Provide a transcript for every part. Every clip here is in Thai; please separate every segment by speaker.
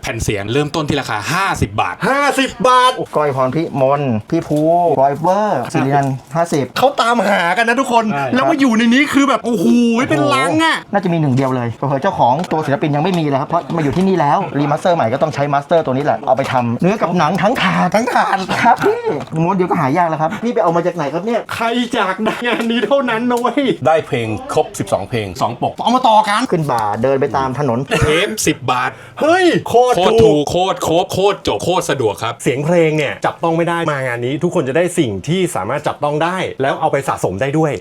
Speaker 1: ผ่นเสียงเริ่มต้นที่ราคา50 บาท
Speaker 2: 50 บาท
Speaker 3: ก้อยพรพิมลพี่ภูบอยเวอร์สิรินันท์50
Speaker 2: เขาตามหากันนะทุกคนแล้วมาอยู่ในนี้คือแบบโอ้โหเป็นลังอ่ะ
Speaker 3: น่าจะมีหนึ่งเดียวเลยเผื่อเจ้าของตัวศิลปินยังไม่มีเลยครับเพราะมาอยู่ที่นี่แล้วรีมาสเตอร์ใหม่ก็ต้องใช้มาสเตอร์ตัวนี้แหละเอาไปทำเนื้อกับหนังทั้งถาดครับพี่ม้วนเดียวก็หายากแล้วครับพี่ไปเอามาจากไหนครับเนี่ย
Speaker 2: ใครจากงานนี้เท่านั้นนะเว้ย
Speaker 1: ได้เพลงครบ12เพลง2ปก
Speaker 2: เอามาต่อกัน
Speaker 3: ขึ้นบ่าเดินไปตามถนน
Speaker 1: เทป10 บาท
Speaker 2: เฮ้ยโคตร
Speaker 1: ถูกโคตรครบโคตรจบโคตรสะดวกครับ
Speaker 2: เสียงเพลงเนี่ยจับต้องไม่ได้มางานนี้ทุกคนจะได้สิ่งที่สามารถจับต้องได้แล้วเอาไปสะสมได้ด้วย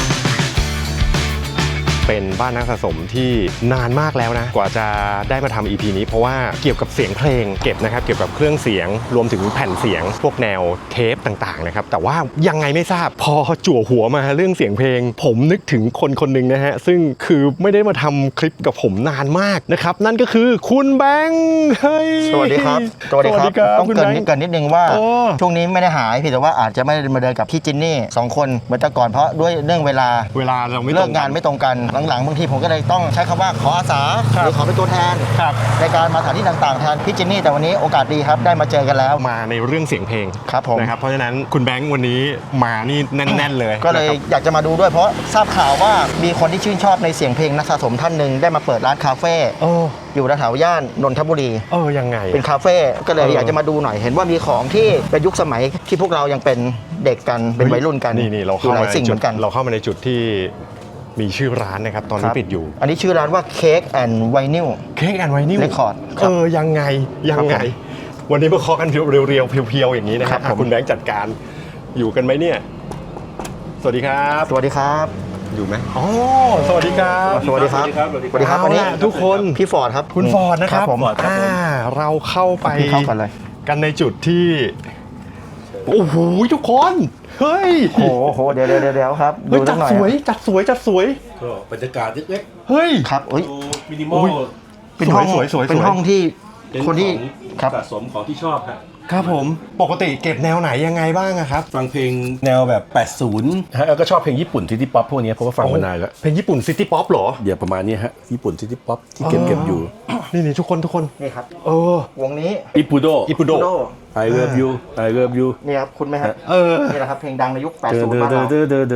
Speaker 2: เป็นบ้านนักสะสมที่นานมากแล้วนะกว่าจะได้มาทำ EP นี้เพราะว่าเกี่ยวกับเสียงเพลงเก็บนะครับเกี่ยวกับเครื่องเสียงรวมถึงแผ่นเสียงพวกแนวเทปต่างๆนะครับแต่ว่ายังไงไม่ทราบพอจั่วหัวมาเรื่องเสียงเพลงผมนึกถึงคนหนึ่งนะฮะซึ่งคือไม่ได้มาทำคลิปกับผมนานมากนะครับนั่นก็คือคุณแบงค์เฮ้ย
Speaker 3: สวัสดีครับต้องเกินนิดนึงว่าช่วงนี้ไม่ได้หายเพียงแต่ว่าอาจจะไม่ได้มาเดินกับพี่จินนี่2คนเหมือนแต่ก่อนเพราะด้วยเรื่องเวลา
Speaker 2: เราไม่
Speaker 3: เลิกงานไม่ตรงกันหลังๆบางทีผมก็เลยต้องใช้คำว่าขออาสาหรือขอเป็นตัวแทนในการมาสถานที่ต่างๆแทนพี่จินนี่แต่วันนี้โอกาสดีครับได้มาเจอกันแล้ว
Speaker 2: มาในเรื่องเสียงเพลง
Speaker 3: ครับผม
Speaker 2: นะครับเพราะฉะนั้นคุณแบงค์วันนี้มานี่แน่นๆเลย
Speaker 3: ก็เลยอยากจะมาดูด้วยเพราะทราบข่าวว่ามีคนที่ชื่นชอบในเสียงเพลงนักสะสมท่านหนึ่งได้มาเปิดร้านคาเฟ่อยู่แถวย่านนนทบุรี
Speaker 2: ยังไง
Speaker 3: เป็นคาเฟ่ก็เลยอยากจะมาดูหน่อยเห็นว่ามีของที่เป็นยุคสมัยที่พวกเรายังเป็นเด็กกันเป็นวัยรุ่นกัน
Speaker 2: นี่เราเข้ามาสิ่งเหมือนกันเราเข้ามาในจุดที่มีชื่อร้านนะครับตอนนี้ปิดอยู่
Speaker 3: อันนี้ชื่อร้านว่า Cake and Vinyl Record
Speaker 2: ยังไงวันนี้มาเคาะกันเรียวๆเพียวๆอย่างนี้นะครับคุณแบงค์จัดการอยู่กันไหมเนี่ยสวัสดีครับอยู่ไหมสวัสดีครับ
Speaker 3: วันนี้
Speaker 2: ทุกคน
Speaker 3: พี่ฟอร์ดครับ
Speaker 2: คุณฟอร์ดนะครับเราเข้าไปกันในจุดที่โอ้โหทุกคนเฮ้ย
Speaker 3: โอ้โหเดี๋ยวครับ
Speaker 2: ดูจัดสวย
Speaker 1: ก็บรรยากาศเล็ก
Speaker 2: ๆเฮ้ย
Speaker 3: ครับ
Speaker 1: มินิมอล
Speaker 3: เป็นห้องเป็นห้องที่คนที่
Speaker 1: สะสมของที่ชอบ
Speaker 2: ครับผมปกติเก็บแนวไหนยังไงบ้างครับ
Speaker 1: ฟังเพลงแนวแบบ80ฮะแล้วก็ชอบเพลงญี่ปุ่นซิตี้ป๊อปพวกนี้เพราะว่าฟังมานานแล้ว
Speaker 2: เพลงญี่ปุ่นซิตี้ป๊อปเหรอ
Speaker 1: เดี๋ยวประมาณนี้ฮะญี่ปุ่นซิตี้ป๊อปที่เก็บอยู่
Speaker 2: นี่ทุกคน
Speaker 3: นี่ครับวงนี้
Speaker 1: อิปุโดI love you
Speaker 3: นี่ครับคุณไหมครับนี่แหละครับเพลงดังในยุค80บ้านเรา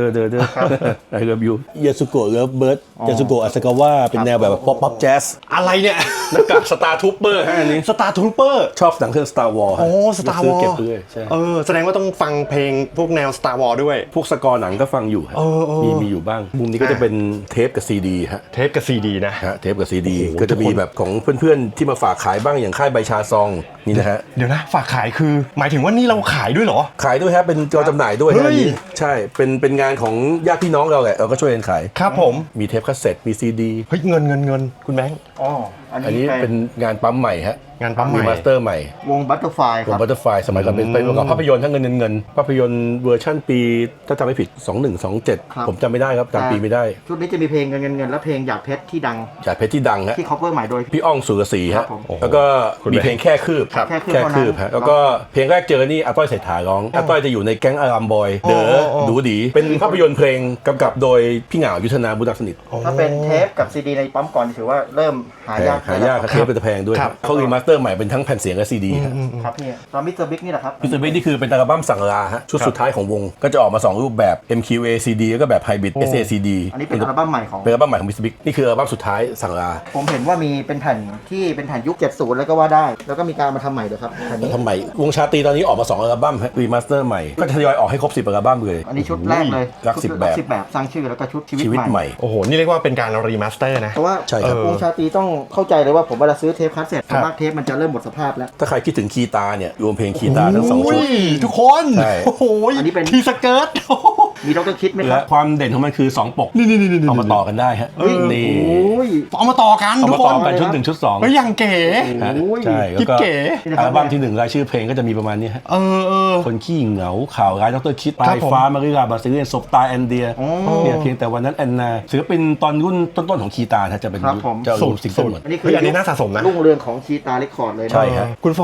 Speaker 1: I love you ยาสุโกะเลิฟเบิร์ดยาสุโกะอาซากาวะเป็นแนวแบบป๊อปแจ๊ส
Speaker 2: อะไรเนี่ย
Speaker 1: นักกากสตาร์ทูปเปอร์ฮะอันนี้
Speaker 2: สตาร์ทูปเปอร์
Speaker 1: ชอบหนังเรื่อง Star Wars
Speaker 2: สตาร์วอร์
Speaker 1: เก็บเลยใช่
Speaker 2: แสดงว่าต้องฟังเพลงพวกแนว Star Wars ด้วย
Speaker 1: พวกสกอร์หนังก็ฟังอยู่มีอยู่บ้างมุมนี้ก็จะเป็นเทปกับซีดีฮะ
Speaker 2: เทปกับซีดีนะ
Speaker 1: เทปกับซีดีก็จะมีแบบของเพื่อนๆที่มาฝากขายบ้างอย่างค่ายใบชาซองนี่นะฮะ
Speaker 2: เดี๋ยวนะฝากขายคือหมายถึงว่านี่เราขายด้วยเหรอ
Speaker 1: ขายด้วยครับเป็นจอจำหน่ายด้วยใช่เป็นงานของญาติพี่น้องเราแหละเราก็ช่วยกันขาย
Speaker 2: ครับผม
Speaker 1: มีเทปคาสเซ็ตมีซีดี
Speaker 2: เฮ้ยเงินคุณแบงค์
Speaker 1: อันนี้เป็นงานปั๊มใหม่ฮะ
Speaker 2: งานปั๊มใหม่
Speaker 1: มาสเตอร์ใหม่
Speaker 3: วงบัตเตอร์ไฟ
Speaker 1: ครับวงบัตเตอร์ไฟสมัยก่อนเป็นประกอบภาพยนตร์ทั้งเงินภาพยนตร์เวอร์ชั่นปีถ้าจำไม่ผิด2127ผมจำไม่ได้ครับจำปีไม่ได้
Speaker 3: ชุดนี้จะมีเพลงเงินและเพลงหยาดเพชรที่ดัง
Speaker 1: ฮะ
Speaker 3: ที่ cover ใหม่โดย
Speaker 1: พี่อ้องสุรศรีฮะแล้วก็มีเพลงแค่คืบฮะแล้วก็เพลงแรกเจอนี่อาต้อยเศรษฐาร้องอาต้อยจะอยู่ในแก๊งอารามบอยเด๋อดูดีเป็นภาพยนตร์เพลงกำกับโดยพี่เหงายุทธนาบุญรักสนิท
Speaker 3: ถ้าเป็นเทปกับซีดีในปั๊มก่อนถือว่าเริ่มหายาก
Speaker 1: เทปเป็นแพงด้วยเขารีมาสเตอร์ใหม่เป็นทั้งแผ่นเสียงและซีดี
Speaker 3: ครับนี่ตอนมิสเตอร์บิ๊กนี่แหละครับ
Speaker 1: มิสเตอร์บิ๊กนี่คือเป็นอัลบั้มสั่งลาฮะชุดสุดท้ายของวงก็จะออกมา2รูปแบบ MQA CD แล้วก็แบบ Hybrid SACD
Speaker 3: อันนี้เป็นอัลบั้มใหม่ของ
Speaker 1: มิสเตอร์บิ๊กนี่คืออัลบั้มสุดท้ายสั่งลา
Speaker 3: ผมเห็นว่ามีเป็นแผ่นที่เป็นแผ่นยุค70แล้วก็ว่าได้แล้วก็มีการมาทำใหม่ด้วยครับ
Speaker 1: แผ่นนี้ทำใหม่วงชาตรีตอนนี้ออกมา2อัลบั้มรีมาสเตอร์ใหม่ก็ทยอยออกให้ครบ10อัลบั้มเลย
Speaker 3: อันนี้ชุดแรกเลย
Speaker 1: รัก10แบบ
Speaker 3: สร้างชื่อแล้วก็ชุดชีวิตใหม่
Speaker 2: โอ้โหนี่เรียกว่าเป็นการรีมาสเตอร์นะ
Speaker 3: เพราะว่าวงชาตรีต้องเข้าใจเลยว่าผมเวลาซื้อเทปคาสเซ็ตส่วนมากเทปมันจะเริ่มหมดสภาพแล้ว
Speaker 1: ถ้าใครคิดถึงคีตาเนี่ยรวมเพลงคีตาทั้ง2ชุด
Speaker 2: ทุกคนโอ้โห
Speaker 3: อันนี้เป็น
Speaker 2: ทีสเกิร์ต
Speaker 3: มีดร.คิดไหมครับ
Speaker 1: ความเด่นของมันคือ2ปก
Speaker 2: นี่
Speaker 1: เอามาต่อกันได้ฮะ
Speaker 2: นี่เอามาต่อกัน
Speaker 1: ทุกคนกันชุด1ชุด2
Speaker 2: ก็ยังเก๋
Speaker 1: ใช่แล้วก็อัลบั้มที่1รายชื่อเพลงก็จะมีประมาณนี้ฮะคนขี้เหงาข่าวร้ายดร.คิดปลายฟ้ามาริลาบาซิเลียนศพตายแอนเดียเนี่ยเพียงแต่วันนั้นแอนนาศิลปินตอนรุ่นต้นๆของคีตาจะเป็นจะรวมซิงเกิลหมด
Speaker 3: อันนี้น่าสะสมนะรุ่งเรืองของคีตาเรคคอร์ดเลย
Speaker 1: ใช่ครับ
Speaker 2: คุณฟอร์ด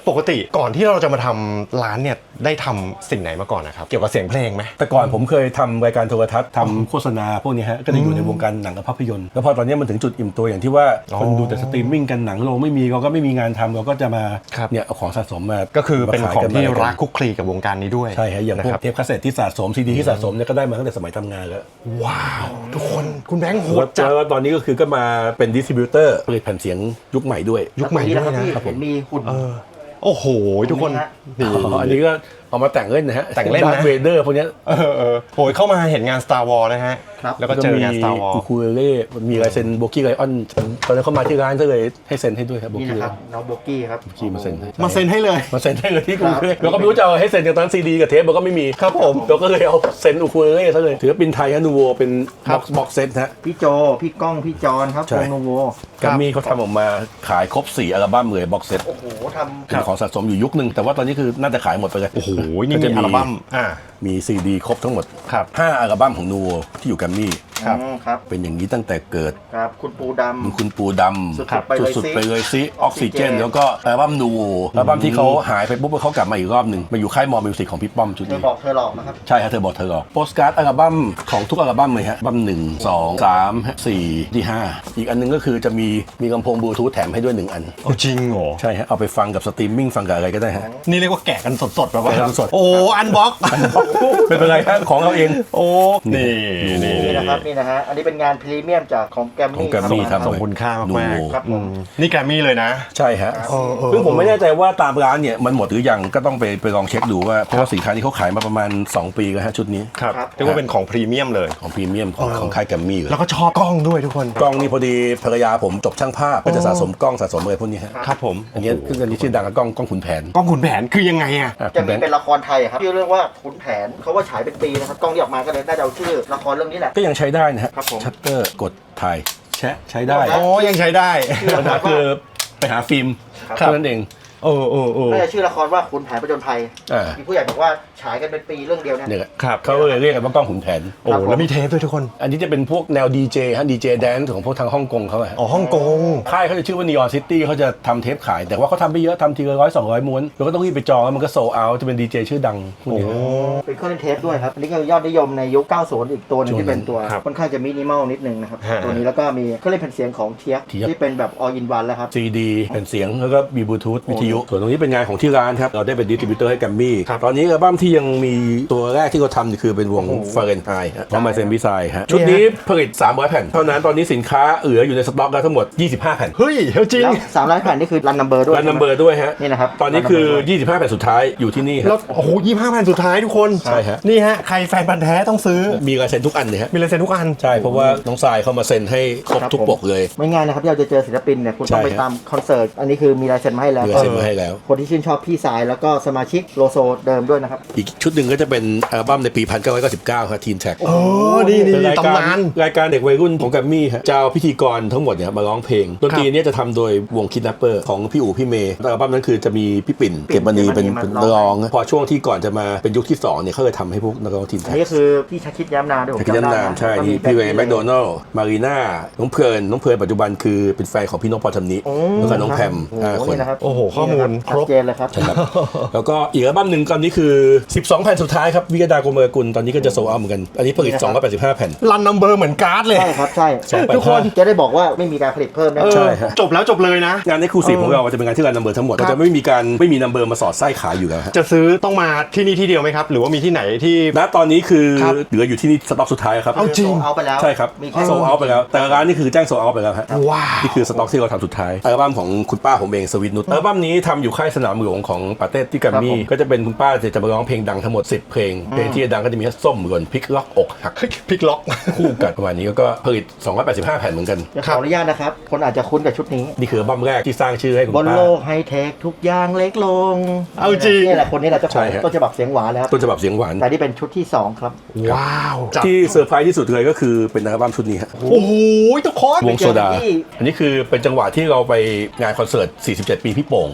Speaker 2: ปกติก่อนที่เราจะมาทำร้านเนี่ยได้ทำสิ่งไหนมาก่อนนะครับเกี่ยวกับเสียงเพลงไหม
Speaker 1: แต่ก่อนผมเคยทำรายการโทรทัศน์ทำโฆษณาพวกนี้ฮะก็จะอยู่ในวงการหนังกับภาพยนตร์แล้วพอตอนนี้มันถึงจุดอิ่มตัวอย่างที่ว่าคนดูแต่สตรีมมิ่งกันหนังโรงไม่มีเราก็ไม่มีงานทำเราก็จะมาเนี่ยเอาของสะสมมา
Speaker 2: ก็คือเป็นของที่
Speaker 1: มาขายกัน
Speaker 2: รักคุกคลีกับวงการนี้ด้วย
Speaker 1: ใช่ฮะอย่างพว
Speaker 2: นะ
Speaker 1: ก
Speaker 2: ครับ
Speaker 1: เทปคาสเซ็ตที่สะสมซีดีที่สะสมเนี่ยก็ได้มาตั้งแต่สมัยทำงานแล้ว
Speaker 2: ว้าวทุกคนคุณแบงค์โหดจัด
Speaker 1: แล้วตอนนี้ก็คือก็มาเป็นดิสติบิวเตอร์ผลิตแผ่นเสียงยุคใหม่ด้วย
Speaker 2: ยุคใหม่ด้วยนะ
Speaker 3: เห็นมีหุ่น
Speaker 2: โอ้โหทุกคนนี่
Speaker 1: อันนี้ก็เอามาแต่งเล่นนะฮะ
Speaker 2: แต่งเล่นนะ
Speaker 1: เวเดอร์พวกเนี้ย
Speaker 2: โอ้ยเข้ามาเห็นงาน Star Wars นะฮะ
Speaker 3: ครับ
Speaker 2: แล้วก็เจองาน Star
Speaker 1: อู
Speaker 2: Wars
Speaker 1: คูเลเล่มีลายเซ็นโบกี้ไลออนตอนนั้นเขามาที่ร้านก็เลยให้เซ็นให้ด้วยครับโบ
Speaker 3: นี่
Speaker 1: กี้
Speaker 3: นะครับน้องโบกี้ครับ
Speaker 1: กี้มาเซ็นให้
Speaker 2: มาเซ็นให้เลย
Speaker 1: มาเซ็นให้เลยที่กรุงเทพเราก็ไม่รู้จะเอาให้เซ็นจากตอนซีดีกับเทปเราก็ไม่มี
Speaker 2: ครับผม
Speaker 1: เราก็เลยเอาเซ็นอูคูเลเล่ซะเลยถือว่าเป็นไทยฮะนูโวเป็นบ็อกเซตฮะ
Speaker 3: พี่โจพี่ก้องพี่จอนครับ
Speaker 1: ใช่
Speaker 3: วงโนโว
Speaker 1: กัมมี่เขาทำออกมาขายครบ4อัลบั้มเลยบ็อกเซต
Speaker 3: โอ้โหทำ
Speaker 1: เป็นของสะสมอยู่ยุคนึงแต่ว่าตอนนี้คือน่าจะขายหมดไปเลย
Speaker 2: โอ้โหนี่
Speaker 1: ก็
Speaker 2: มี
Speaker 1: จะ
Speaker 2: อัลบั้ม
Speaker 1: มีซีดีครบทั้งหมด
Speaker 2: ครับ
Speaker 1: 5อัลบั้มของนูโวที่อยู่กัมมี่
Speaker 2: ครับ
Speaker 3: ครับ
Speaker 1: เป็นอย่างนี้ตั้งแต่เกิด
Speaker 3: ครับคุณปูดำ
Speaker 1: คุณปูด
Speaker 3: สุดๆไปเลย
Speaker 1: ำสุด
Speaker 3: สิ
Speaker 1: ๆไปเลยซิออกซิเจนแล้วก็อัลบั้มนูโวอัลบั้มที่เขาหายไปปุ๊บเขากลับมาอีกรอบหนึ่งมาอยู่ค่ายมอมิวสิกของพี่ป้อมชุด
Speaker 3: เธอ
Speaker 1: นี้
Speaker 3: บอกเธอหลอกนะครับ
Speaker 1: ใช่ฮะเธอบอกเธอหรอกโปสการ์ดอัลบั้มของทุกอัลบั้มเลยฮะอัลบั้ม1 2 3 4ที่5อีกอันหนึงก็คือจะมีลำโพงบลูทูธแถมให้ด้วย1อัน
Speaker 2: โอ้จริงเหรอ
Speaker 1: ใช่ฮะเอาไปฟังกับสตรีมมิ่งฟังกับอะไรก็ได้ฮะ
Speaker 2: นี่เรียกว่าแกะกันสดๆแบบว่า
Speaker 1: แกะกันสด
Speaker 2: โอ้อันบ็อก
Speaker 1: ไม่เป็นไรฮะของเราเอง
Speaker 2: โอ้นี่
Speaker 3: นี่นะครับนี่นะฮะอันนี้เป็นงานพรีเมียมจากของแกรม
Speaker 1: ของ
Speaker 3: มี่
Speaker 1: แกรมมี่ครับ
Speaker 2: ส่งคุณค่ามาก
Speaker 3: ครับผม
Speaker 2: นี่แกรมมี่เลยนะ
Speaker 1: ใช่ฮะซึ่งผมไม่แน่ใจว่าตามร้านเนี่ยมันหมดหรือยังก็ต้องไปลองเช็คดูว่าเพราะว่าสินค้านี้เขาขายมาประมาณ2 ปีแล้วฮะชุดนี้
Speaker 2: ครับเรียกว่าเป็นของพรีเมียมเลย
Speaker 1: ของพรีเมียมของค่ายแกรมมี่เลย
Speaker 2: แล้วก็ชอบกล้องด้วยทุกคน
Speaker 1: กล้องนี่พอดีภรรยาผมจบช่างภาพก็จะสะสมกล้องสะสมอะไรพวกนี้ฮะ
Speaker 2: ครับผม
Speaker 1: อันนี้คืออันนี้ชื่อดังกับกล้องขุนแผน
Speaker 2: กล้องขุนแผนคือยังไงอะ
Speaker 1: อ่ะ
Speaker 3: จะ
Speaker 1: คุณแบ
Speaker 3: มี
Speaker 1: งค์
Speaker 3: เป็นละครไทยครับชื่อเรื่องว่าขุนแผนเขาว่าฉายเป็นปีนะครับกล้องที่ออกมาก็เลยน่าจะเอาชื่อละครเรื่องนี้แหละ
Speaker 1: ก็ยังใช้ได้นะฮะ
Speaker 3: ครับผม
Speaker 1: ชัตเตอร์กดถ่ายแชะใช้ได้
Speaker 3: ครับ
Speaker 2: โอ้ยังใช้ได้
Speaker 1: ปัญหาคือไปหาฟิล์ม
Speaker 3: ครับ
Speaker 1: เท่านั้นเอง
Speaker 3: น่าจะชื่อละครว่าขุนแผนประจนภัย
Speaker 1: อ่า
Speaker 3: มีผู้ใหญ่บอกว่าฉายกันเป็นปีเรื่องเดียวเนี่ย
Speaker 1: เนี่ย
Speaker 2: ครับ
Speaker 1: เขาเลยเรียกกันว่ากล้องขุนแผน
Speaker 2: โอ้แล้วมีเทปด้วยทุกคน
Speaker 1: อันนี้จะเป็นพวกแนวดีเจฮะดีเจแดนซ์ของพวกทางฮ่องกงเขาอะฮะ
Speaker 2: อ๋อฮ่องกง
Speaker 1: ค่ายเขาจะชื่อว่า Neon City เขาจะทำเทปขาย แต่ว่าเขาทำไม่เยอะทำทีละ100-200 ม้วนแล้วก็ต้องรีบไปจองแล้วมันก็โซเอาจะเป็นดีเจชื่อดังพวกนี้
Speaker 3: เป็นเครื่องเล่นเทปด้วยครับอันนี้ก็ยอดนิยมในยุค 90 อีกตัวหนึงที่เป็นตัว
Speaker 2: ครับ
Speaker 3: ค่อนข้างจะมินิมอลนิดนึงนะครับ
Speaker 2: ฮะ
Speaker 3: ตัวนี้แล้วก็มีเครื่องเล่นแผ่นเสียงของเทีย
Speaker 1: เทียบ
Speaker 3: ที่เป็นแบบ all in one แล้วครับ
Speaker 1: ซีดีแผ่นเสียงแล้วก็มีบลูทูธวิทยุส่วนตรงนี้เป็นงานของที่ร้านครับเราได้เป็นดิสติบิวเตอร์ให้แกรมมี่
Speaker 2: ครับ
Speaker 1: ตอนนี้อัลบั้มที่ยังมีตัวแรกที่เขาทำนี่คือเป็นวงฟาเรนไฮต์ของมาเซนบิไซฮะชุดนี้ผลิต300 แผ่นเท่านั้นตอนนี้สินค้าเหลืออยู่ในสต็อกแล้วทั้งหมด25 แผ่น
Speaker 2: เฮ้ยจริง
Speaker 3: แล้ว300แผ่นนี่คือรันนัมเบอร์ด้วย
Speaker 1: รันนัมเบอร์ด้วยฮะ
Speaker 3: นี่นะครับ
Speaker 1: ตอนนี้คือ
Speaker 3: run number
Speaker 1: 25 แผ่นสุดท้ายอยู่ที่นี่ค
Speaker 2: แล้
Speaker 1: รั
Speaker 2: ว
Speaker 1: บ
Speaker 2: โอ้โห25แผ่นสุดท้ายทุกคน
Speaker 1: ใช่ฮะ
Speaker 2: นี่ฮะใครแฟนพันธุ์แท้ต้องซื้อ
Speaker 1: มีลายเซ็นทุกอันเลยฮะ
Speaker 2: มีลายเซ็นทุกอัน
Speaker 1: ใช่เพราะว่าน้องทรายเข้ามาเซ็นให้ครบทุกปกเลย
Speaker 3: ไม่ง่ายนะครับที่เราจะเจอศิลปินเนี่ยคุณต้อง
Speaker 1: ใช่
Speaker 3: ไป
Speaker 1: ครับ
Speaker 3: ตามคอนเสิร์ตอันนี้คือมีลายเซ็นมาให้แล้ว
Speaker 1: มีลายเซ็นมาให้แล้ว
Speaker 3: คนที่ชื่นชอบพี่สายแล้วก็สมาชิกโลโซเดิมด้วยนะครับ
Speaker 1: อีกชุดหนึ่งก็จะเป็นอัลบั้มในปี 1999 ครับทีนแท็ก
Speaker 2: โอ้นี่
Speaker 1: เป็นรายการ
Speaker 2: ตำนาน
Speaker 1: รายการเด็กวัยรุ่นของแกรมมี่ฮะจะเอาพิธีกรทั้งหมดเนี่ยมาร้องเพลงดนตรีเนี่ยจะทำโดยวงคิดนัปเปอร์ของพี่อู๋พี่เมย์อัลบั้มนั้นคือจะมีพี่ปิ่นเก็บมณีเป็นร้องพอช่วงที่ก่อนจะมาเป็นยุคที่2เนี่ยเขาเลยทำให้พวกนักร้องทีน
Speaker 3: อั
Speaker 1: แท็
Speaker 3: น
Speaker 1: ก
Speaker 3: นี้คือพี่ชาคิดย้ำนามด้วยผม
Speaker 1: พี่
Speaker 3: จำ
Speaker 1: ยัน
Speaker 3: ได้
Speaker 1: นาม
Speaker 3: นะ
Speaker 1: ใช่
Speaker 3: แล้วก็
Speaker 1: นี่
Speaker 3: มี
Speaker 1: พี่เวย์
Speaker 3: แบ
Speaker 1: แม
Speaker 3: บ
Speaker 1: คโดนัลล์มารีน่าน้องเพลินปัจจุบันคือเป็นแฟนของพี่นกปอทำนี้แล้วก็น้องแพม
Speaker 3: โอ้โห
Speaker 1: 5 คน
Speaker 3: นี่นะครับ
Speaker 2: โอ้โหข้อมูล
Speaker 3: นี่นะ
Speaker 2: ครบ
Speaker 3: ชัดเจนเลยครับ
Speaker 1: ครับแล้วก็อีกอัลบั้มหนึ่งตอนนี้คือ 12 แผ่นสุดท้ายครับวิกดาโกเมอร์กุลตอนนี้ก็จะโซลเอาท์เหมือนกันอันนี้ผลิต 285 แผ่น
Speaker 2: รันนัมเบอร์เหมือนการ์ดเลย
Speaker 3: ใช่ครับใช่
Speaker 1: 285
Speaker 3: ทุกคนจะได้บอกว่าไม่มีการผลิตเพิ่มนะ
Speaker 1: ใช่ฮะ
Speaker 2: จบแล้วจบเลยนะ
Speaker 1: งานในครูซีของเราจะเป็นงานที่รันนัมเบอร์ทั้งหมดเราจะไม่มีนัมเบอร์มาสอดไส้ขายอยู่แล้วฮะ
Speaker 2: จะซื้อต้องมาที่นี่ที่เดียวไหมครับ หรือว่ามีที่ไหนที่
Speaker 1: ณตอนนี้คือ
Speaker 2: ครับ
Speaker 1: เหลืออยู่ที่นี่สต็อกสุดท้ายครับ
Speaker 2: เอาจริง
Speaker 3: เอาไปแล้ว
Speaker 1: ใช่ครับ
Speaker 3: มีแค่
Speaker 1: โซลเอาท์ไปแล้วแต่ร้านนี่คือแจ้งโซลเอาท์ไปแล้วฮะ
Speaker 2: ว้าว
Speaker 1: นี่คือสต็อกที่เราทำสุดท้ายอัลบั้มของคุณป้าผมเองสวิตนุชอัลบั้มนี้ทำอยู่ค่ายสนามหลวงของปาเต้ที่กัมมี่ก็จะเป็นคุณป้าจะมาร้องเพลงดังทั้งหมด10 เพลงเพลงที่ดังก็จะมีส้มหล่นพลิกล็อกอกหัก
Speaker 2: พลิกล็อก
Speaker 1: คู่กันประมาณนี้ก็ผลิต 285 แผ่นเหมือนกัน
Speaker 3: เดี๋ยวขออนุญาตนะครับ คนอาจจะคุ้นกับชุดนี้
Speaker 1: นี่คืออัลบั้มแรกที่สร้างชื่อให้คุณ
Speaker 3: บน
Speaker 1: ป้า
Speaker 3: โลกไฮเทคทุกอย่างเล็กลง
Speaker 2: เอาจริง
Speaker 3: นี่แหละคนนี้แหละเจ้าข
Speaker 1: ใช่
Speaker 3: อง
Speaker 1: ฮะ
Speaker 3: ต้นฉบับเสียงหวานแล้ว
Speaker 1: ต้นฉบับเสียงหวาน
Speaker 3: แต่นี่เป็นชุดที่ 2 ครับ
Speaker 2: ว้าวจัด
Speaker 1: ที่เซอร์ไพรส์ที่สุดเลยก็คือเป็นอัลบั้มชุดนี้ฮะ
Speaker 2: โอ้โหทุกคน
Speaker 1: วงโซดา
Speaker 3: ไปเจอที่
Speaker 1: อันนี้คือเป็นจังหวะที่เราไปงานคอนเสิร์ต 47 ปีพี่โป่ง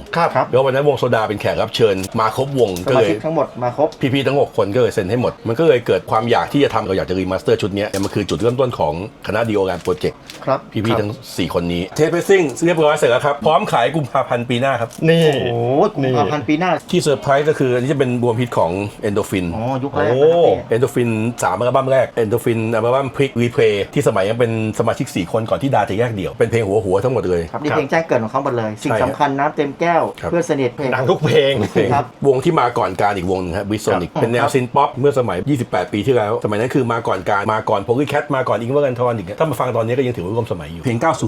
Speaker 2: ครับ
Speaker 1: แล้ววันนั้นวงโซดาเป็นแขกรับเชิญมาครบวง
Speaker 3: ส
Speaker 1: ก็
Speaker 3: มา
Speaker 1: เลย
Speaker 3: ชิกทั้งหมดมาครบ
Speaker 1: พี่ๆทั้ง6คนก็เลยเซ็นให้หมดมันก็เลยเกิดความอยากที่จะทำเราอยากจะรีมาสเตอร์ชุดนี้มันคือจุดเริ่มต้นของคณะดีโอแรมโปรเจกต์
Speaker 3: ครับ
Speaker 1: พี่ๆทั้ง4คนนี้เทปเพสซิ่งเรียบร้อยเสร็จแล้วครับพร้อมขายกุมภาพันธ์ปีหน้าครับ
Speaker 2: นี่
Speaker 3: โอ้กุมภาพันธ์ปีหน้า
Speaker 1: ที่เซอร์ไพรส์ก็คืออันนี้จะเป็นรวมฮิตของเอนโดฟิน
Speaker 3: อ๋อยุคแรกนะครับพี่
Speaker 1: เอนโดฟิน3อัลบั้มแรกเอนโดฟินอัลบั้มพลิกรีเพลย์ที่สมัยยังเป็นสมาชิก4คนก่อนที่ดาจะแยกเดี่ยวเป็นเพลงหัวทั้งหมดเลย
Speaker 3: ครับนี่เพลงแจ้งเกิดของเขาหมดเลย สิ่ง
Speaker 1: ใช่ครับ
Speaker 3: สำคัญน้ำเต็มแก้ว
Speaker 1: ครับ
Speaker 3: เพื่อนสนิทเพลง
Speaker 2: ดังทุกเพลง
Speaker 1: เพลง
Speaker 3: ครับ
Speaker 1: วงที่มาก่อนการอีกวงหนึงครับวิโซนิกเป็นแนวซินป๊อปเมื่อสมัย 28 ปีที่แล้ว สมัยนั้นคือมาก่อนการมาก่อนโพลีแคทมาก่อนอิงเวอร์กันทอนอีกถ้ามาฟังตอนนี้ก็ยังถือว่าร่วมสมัยอยู่ เพลง 90 80
Speaker 3: ครับ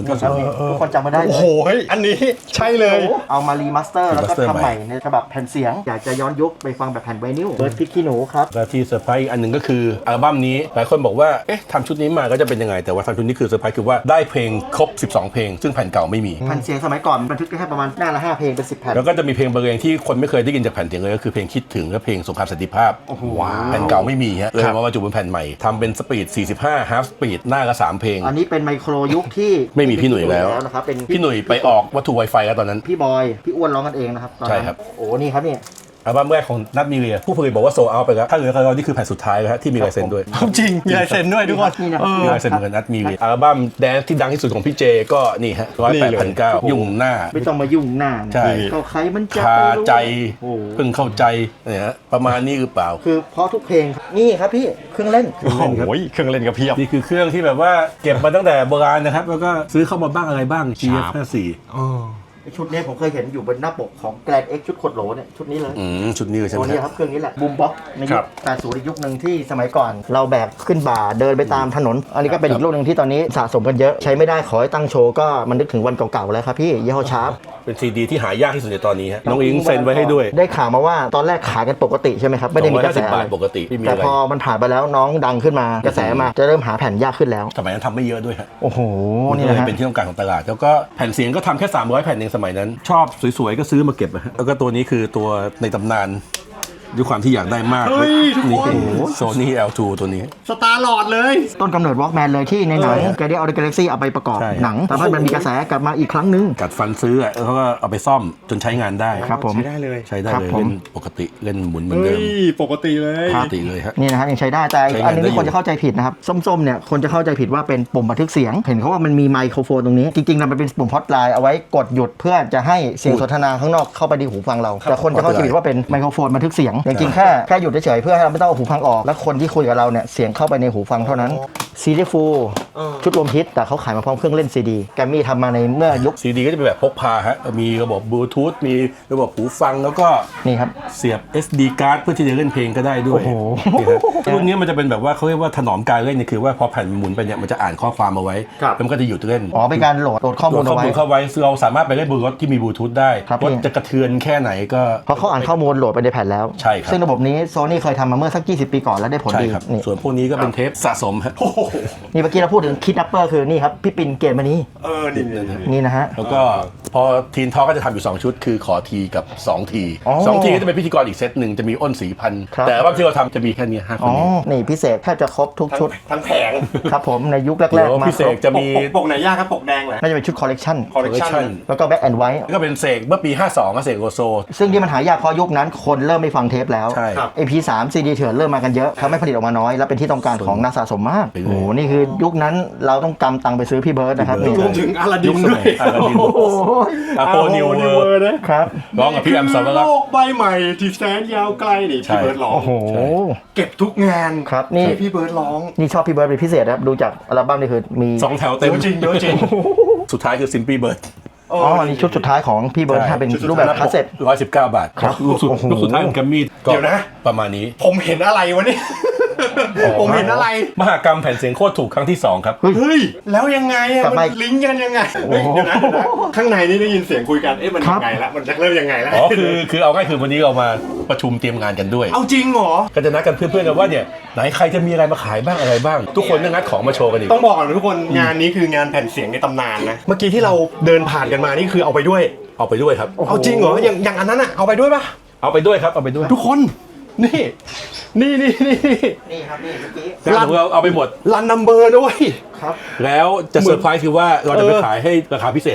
Speaker 1: 90
Speaker 3: ทุกคนจำมาได้เล
Speaker 2: โอ้
Speaker 3: ย
Speaker 2: โหเฮ้ยอันนี้ใช่เลย
Speaker 3: เอามารีมาสเตอร์แล้วก็
Speaker 1: remaster
Speaker 3: ทำใหม่ในฉบับแผ่นเสียง อยากจะย้อนยุคไปฟังแบบแผ่นไวนิลเบิร์ดพริกขี้หนูครับ
Speaker 1: และที่เซอร์ไพรส์อีกอันหนึ่งก็คืออัลบั้มนี้หลายคนบอกว่าเอ๊ะทำชุดนี้มาก็จะเป็นยังไงแต่ว่าทำชุดนี้คือเซอร์ไพรส์คือว่าได้เพลงครบ 12 เพลงซึ่งแผ่นเก่าไม่มี
Speaker 3: แผ่นเสียงสมัยก่อนบันทึกได้แค่ประมาณหน้าละ5เพลงเป็น10แผ่น
Speaker 1: แล้วก็จะมีเพลงบางเพลงที่คนไม่เคยได้ยินจากแผ่นเสียงเลยก็คือเพลงคิดถึงและเพลงสงครามสันติภาพ
Speaker 2: ว้าว
Speaker 1: แผ่นเก่าไม่มีฮะเลยมาบรรจุเป็นแผ่นใหม่ทำเป็นสปีด 45 ฮาล์ฟสปีดหน้าละ3เพลง
Speaker 3: อันนี้เป็นไมโครยุคที่
Speaker 1: ไม่มีพี่หนุ่ยแล้ว
Speaker 3: นะครับเป็น
Speaker 1: พี่หนุ่ยไปออกวัตถุ Wi-Fi แล้วตอนนั้น
Speaker 3: พี่บอยพี่อ้วนร้องกันเองนะครับตอนนั้น
Speaker 1: ใช่ครับ
Speaker 3: โอ้นี่ครับนี่
Speaker 1: อัลบั้มแรกของนัทมีเรียผู้ผลิตบอกว่าโซเอาไปแล้วถ้าเหลือเรานี่คือแผ่นสุดท้ายแล้วฮะที่มีลายเซ็นด้วย
Speaker 2: จริง มีลายเซ็นด้วยทุกคน
Speaker 3: นี่นะ
Speaker 1: มีลายเซ็นเหมือนกับนัทมีเรียอัลบั้มแดนซ์ที่ดังที่สุดของพี่เจก็นี่ฮะ
Speaker 2: นี่เลย
Speaker 1: 108,900ยุ่งหน้า
Speaker 3: ไม่ต้องมายุ่งหน้านะ
Speaker 1: ใช่
Speaker 3: เขาใครมันจะ
Speaker 1: คา
Speaker 3: ไปรู้
Speaker 1: ใจ
Speaker 3: โอ้
Speaker 1: เพิ่งเข้าใจเนี่ยฮะประมาณนี้หรือเปล่า
Speaker 3: คือเพราะทุกเพลงครับนี่ครับพี่เครื่องเล่น
Speaker 2: โอ้โหเครื่องเล่นกับเพียบ
Speaker 1: นี่คือเครื่องที่แบบว่าเก็บมาตั้งแต่โบราณนะครับแล้วก็ซื้อเข้ามาบ้างอะไรบ้าง GF54
Speaker 3: ชุดนี้ผมเคยเห็นอยู่บนหน้าปกของแกรนเอ็กชุดขดโหลเนี่ยชุดนี้เลย
Speaker 1: ชุดนี้เลยใช่ไหม
Speaker 3: ตัวนี้
Speaker 1: ฮะ
Speaker 3: ครับเครื่องนี้แหละบูมบ็อกใน
Speaker 2: ค
Speaker 3: ยุ
Speaker 2: รั
Speaker 3: ค
Speaker 2: บ
Speaker 3: 80อีกยุคหนึ่งที่สมัยก่อน เราแบกขึ้นบ่าเดินไปตามถนน อันนี้ก็เป็นอีกรุ่นหนึ่งที่ตอนนี้สะสมกันเยอะใช้ไม่ได้ขอให้ตั้งโชว์ก็มันนึกถึงวันเก่าๆแล้วครับพี่ยี่ห้อชาร์ป
Speaker 1: เป็นซีดีที่หายากที่สุดในตอนนี้ฮะน้องอิงเซ็นไว้ให้ด้วย
Speaker 3: ได้ข่าวมาว่าตอนแรกขายกันปกติใช่ไหมครับไม่ได้มีกระแส
Speaker 1: 250
Speaker 3: อะ
Speaker 1: บา
Speaker 3: ไร
Speaker 1: ทปกติไม่มี
Speaker 3: แต่
Speaker 1: อะไร
Speaker 3: พอมันผ่านไปแล้วน้องดังขึ้นมากระแสมาจะเริ่มหาแผ่นยากขึ้นแล้ว
Speaker 1: สมัยนั้นทำไม่เยอะด้วยฮะ
Speaker 3: โอ้โห
Speaker 1: มัน
Speaker 3: นี่
Speaker 1: ก็เลย
Speaker 3: นะฮะ
Speaker 1: เป็นที่ต้องการของตลาด แล้วก็แผ่นเสียงก็ทำแค่ 300 แผ่นเองสมัยนั้น ชอบสวยๆ ก็ซื้อมาเก็บนะฮะแล้วก็ตัวนี้คือตัวในตำนานด้วยความที่อยากได้มาก
Speaker 2: เฮ้ยทุกคน
Speaker 1: โซนี่ L2 ตัวนี้
Speaker 2: สตาร์ลอดเลย
Speaker 3: ต้นกำเนิดวอล์กแมนเลยที่ในหนังแกเดียลออเดอะกาแล็กซี่เอาไปประกอบ
Speaker 1: ใช่
Speaker 3: หนังทำให้มันมีกระแสกลับมาอีกครั้งหนึง
Speaker 1: กัดฟันซื้อแล้วเขาก็เอาไปซ่อมจนใช้งานได้
Speaker 3: ครับผม
Speaker 2: ใช้ได้เลย
Speaker 1: ใช้ได้
Speaker 3: ครับ
Speaker 1: เลย
Speaker 3: ผม
Speaker 1: เล่นปกติเล่นหมุนเหมือน
Speaker 2: เฮ้
Speaker 1: เดิม
Speaker 2: ย ปกติเลย
Speaker 1: ปกติเลยฮะ
Speaker 3: นี่นะครับยังใช้ได้แต่
Speaker 1: ใช้งาน
Speaker 3: อันนึง
Speaker 1: ได้
Speaker 3: ที่
Speaker 1: อยู่
Speaker 3: คนจะเข้าใจผิดนะครับส้มๆเนี่ยคนจะเข้าใจผิดว่าเป็นปุ่มบันทึกเสียง เห็นเขาว่ามันมีไมโครโฟนตรงนี้จริงๆแล้วมันเป็นปุ่มฮอตไลน์เอาไว้กดหยุดเพื่อจะให้เสียงสนทนาข้างนอกเข้าไปในหูฟังเราแต่คนจะเข้าใจผิดว่าเป็นไมโครโฟนบันทึกเสียงจริงๆแค่หยุดเฉยๆเพื่อให้เราไม่ต้องเอาหูฟังออกแล้วคนที่คุยกับเราเนี่ยเสียงเข้าไปในหูฟังเท่านั้นซีดีฟูลชุดรวมฮิตแต่เขาขายมาพร้อมเครื่องเล่นซีดีแกรมมี่ทำมาในเมื่อยุค
Speaker 1: ซีดีก็จะเป็นแบบพกพาฮะมีระบบบลูทูธมีระบบหูฟังแล้วก็
Speaker 3: นี่ครับ
Speaker 1: เสียบ SD card เพื่อที่จะเล่นเพลงก็ได้ด้วย
Speaker 3: โอ้โห
Speaker 1: นี่ฮะรุ่นนี้มันจะเป็นแบบว่าเขาเรียกว่าถนอมการเล่นเนี่ยคือว่าพอแผ่นหมุนไปเนี่ยมันจะอ่านข้อความเอาไว้
Speaker 2: ครับ
Speaker 1: แล้วมันก็จะหยุดเล่น
Speaker 3: อ๋อเป็นการโหลดข้อ
Speaker 1: โหล
Speaker 3: มูล
Speaker 1: ดข้
Speaker 3: เอา
Speaker 1: อ
Speaker 3: ไว้
Speaker 1: มูลเข้าไว้ซึ่งเราสามารถไปเล่นบนรถที่มีบลูทูธได้
Speaker 3: ครับ
Speaker 1: รถ
Speaker 3: พี่
Speaker 1: จะกระเทือนแค่ไหนก็
Speaker 3: เพราะเขาอ่านข้อมูลโหลดไปในแผ่นแล้ว
Speaker 1: ใช่ครับ
Speaker 3: ซึ่งระบบนี้โซนี่เคยทำมาเมื่อสัก 20 ปีก่อนแล้วได้ผล
Speaker 1: ใช่
Speaker 3: ดี
Speaker 1: ครับ
Speaker 3: นี่
Speaker 1: ส่วนพวกนี้ก็เป็นเทปสะสมฮะ
Speaker 3: นี่เมื่อกี้เราพูดถึงคิดนัปเปอร์คือนี่ครับพี่ปิ่นเกตมานี้
Speaker 2: นี่
Speaker 3: นี่นะฮะ
Speaker 1: แล้วก็พอทีนทอก็จะทำอยู่ 2 ชุด คือขอทีกับ 2 ที
Speaker 3: อ๋อ
Speaker 1: 2 ทีก็จะเป็นพิธีกรอีกเซตหนึ่งจะมีอ้นศรีพันธ์
Speaker 3: ครับ
Speaker 1: แต่ว่าที่เราทำจะมีแค่นี้5 ค
Speaker 3: อ๋
Speaker 1: น
Speaker 3: อ
Speaker 1: นี้
Speaker 3: นี่พิเศษแทบจะครบทุกชุด
Speaker 2: ทั้งแผง
Speaker 3: ครับผมในยุคแร
Speaker 1: เดี๋
Speaker 3: ก
Speaker 1: ยว
Speaker 3: ๆมา
Speaker 1: พิเศ
Speaker 3: คร
Speaker 1: ษ
Speaker 3: บ
Speaker 1: จะมี
Speaker 2: ปกไหนยากครับปกแดงเหรอ
Speaker 3: น่าจะเป็นชุดคอลเลกชัน
Speaker 2: คอลเลกชัน
Speaker 3: แล้วก็แบ็กแอนด์ไวท์
Speaker 1: แล้วก็เป็นเสกเมื่อปี 52ก็เสกโลโซ
Speaker 3: ซึ่งที่มันหายากเพราะยุคนั้นคนเริ่มไม่ฟังเทปแล้ว
Speaker 1: ใช่
Speaker 2: ครับ
Speaker 3: AP3 CD เถื่อนเริ่มมากันเยอะทำให้ผลิตออกมาน้อย และเป็นที่ต้องการของนักสะสมมาก
Speaker 1: ไปเลย
Speaker 3: โอ้โหนี่คือยุคนั้นเราต้องกำตังค์ไปซื้อพี่เบิร์ดนะครับ
Speaker 1: พี่
Speaker 3: นี่
Speaker 1: เบิ
Speaker 2: ร
Speaker 1: ร์
Speaker 2: วมถึงอาลาดิ
Speaker 1: ยุ
Speaker 2: น
Speaker 1: คส
Speaker 2: ด้
Speaker 1: มั
Speaker 2: วย ย
Speaker 1: อาลาดิน
Speaker 3: โอ้โห
Speaker 1: อาโปนิวเวอร์
Speaker 3: ครับ
Speaker 1: ร้องกับพี่แอมสาวรัก
Speaker 2: โล
Speaker 1: ษ์
Speaker 2: กใบใหม่ที่แสนยาวไกลนี่
Speaker 1: ใช่
Speaker 2: พี่เบิร์ดร้อง
Speaker 3: โอ้โห
Speaker 2: เก็บทุกงาน
Speaker 3: ครับนี่
Speaker 2: ที่พี่เบิร์ดร้อง
Speaker 3: นี่ชอบพี่เบิร์ดเป็นพิเศษนะครับดูจากอัลบั้มนี่คือมี
Speaker 1: 2 แถว
Speaker 2: เย
Speaker 1: เต็ม
Speaker 2: อะจริงเยอะจริง
Speaker 1: สุดท้ายคือซิมปี้เบิร์ด
Speaker 3: อ๋ออันนี้ชุดสุดท้ายของพี่เบิร์ด
Speaker 1: ใช่
Speaker 3: ถ้าเป็นรูปแบบคาสเซ็ต
Speaker 1: 119 บาท
Speaker 3: ครับ
Speaker 1: ลูกสุด
Speaker 3: โอ้โห
Speaker 1: ลูกสุดท้ายของแกรมมี่ก็
Speaker 2: เดี๋ยวนะ
Speaker 1: ประมาณนี้
Speaker 2: ผมเห็นอะไรวะเนี่ย ผมเห็นอะไร
Speaker 1: มหากรรมแผ่นเสียงโคตรถูกครั้งที่ 2 ครับ
Speaker 2: เฮ้ย แล้วยังไงอะ
Speaker 3: กลับ
Speaker 2: มั
Speaker 3: มา
Speaker 2: นลิงก์กันยังไงเฮ้ยเดี๋ยวนะข้างในนี่ได้ยินเสียงคุยกัน เอ๊ะมัน
Speaker 3: ครั
Speaker 2: ยั
Speaker 3: บ
Speaker 2: งไงละมันจะเริ่มยังไงละ
Speaker 1: อ๋อคือเอาง่ายคือวันนี้เรามาประชุมเตรียมงานกันด้วย
Speaker 2: เอาจริงเหรอ
Speaker 1: ก็จะนัดกันเพื่อนๆกันว่าเนี่ยไหนใครจะมีอะไรมาขายบ้างอะไรบ้าง ทุกคนก็งัดของมาโชว์กันอีก
Speaker 2: ต้องบอกก่อนนะทุกคนงานนี้คืองานแผ่นเสียงในตำนานนะ เมื่อกี้ที่เราเดินผ่านกันมานี่คือเอาไปด้วย
Speaker 1: เอาไปด้วยครับ
Speaker 2: เอาจริงเหรออย่างอันนั้นอะเอาไปด้วยปะ
Speaker 1: เอาไปด้วยครับเอาไปด้วย
Speaker 2: ทุกคนนี่
Speaker 3: นี่ครับนี่เมื่อกี้
Speaker 1: งานของเราเอาไปหมด
Speaker 2: รันนัมเบอร์ด้วย
Speaker 3: ครับ
Speaker 1: แล้วจะเซอร์ไพรส์คือว่าเราจะไปขายให้ราคาพิเศษเลย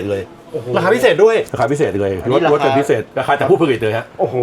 Speaker 2: ราคาพิเศษด้วย
Speaker 1: ราคาพิเศษเลย
Speaker 3: อันนี้
Speaker 1: ลดเป็น
Speaker 3: ราคา
Speaker 1: พิเศษราคาจากผู้ผลิตเลยฮะ
Speaker 2: โอ้โห